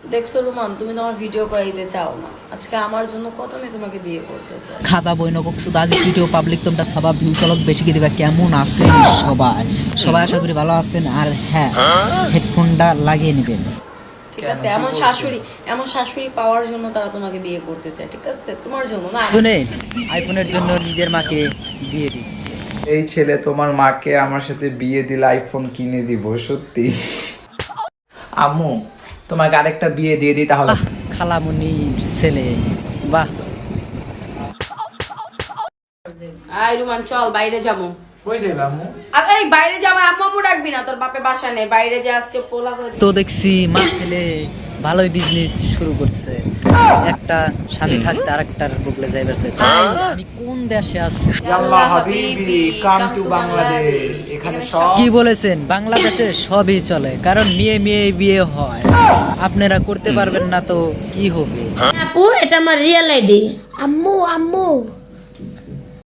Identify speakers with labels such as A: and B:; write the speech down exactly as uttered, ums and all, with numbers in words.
A: দেখছো রুমান, তুমি তোমার ভিডিও করাইতে চাও না, আজকে আমার জন্য কত মেয়ে তোমাকে বিয়ে করতে চায়।
B: খাতা বই নকশু আজ ভিডিও পাবলিক তোমরা সবাই ভিউ চলক বেশি করে দিবা। কেমন আছেন সবাই? সবাই আশা করি ভালো আছেন। আর হ্যাঁ, হেডফোনটা লাগিয়ে নেবেন।
A: ঠিক আছে, এমন শাশুড়ি এমন শাশুড়ি পাওয়ার জন্য তারা তোমাকে বিয়ে করতে চায়। ঠিক আছে, তোমার জন্য না।
B: শুনে আইফোনের জন্য নিজের মাকে বিয়ে দিচ্ছে।
C: এই ছেলে তোমার মাকে আমার সাথে বিয়ে দিলে আইফোন কিনে দিব। সত্যি আম্মু, তোমাকে আরেকটা বিয়ে দিয়ে দিই তাহলে।
B: খালামুনির ছেলে, বাহ।
A: আই রুমান, চল বাইরে যাবো।
C: কই যাইবা আম্মু?
A: আরে এই বাইরে যাবো, আম্মু আম্মু ডাকবি না, তোর বাপে বাসা নেই। বাইরে যা, আজকে পোলা করে
B: তো দেখছি মা ছেলে ভালোই বিজনেস শুরু করছে। একটা স্বামী থাকতে আরেকটার বগলে যাইবার চাই। আমি কোন দেশে আছি?
C: আল্লাহ হাবিবি, কাম টু বাংলাদেশ। এখানে সব
B: কি বলেছেন? বাংলাদেশে সবই চলে, কারণ মেয়ে মেয়ে বিয়ে হয়। আপনারা করতে পারবেন না তো কি হবে?
D: আপু, এটা আমার রিয়েল আইডি। আম্মু আম্মু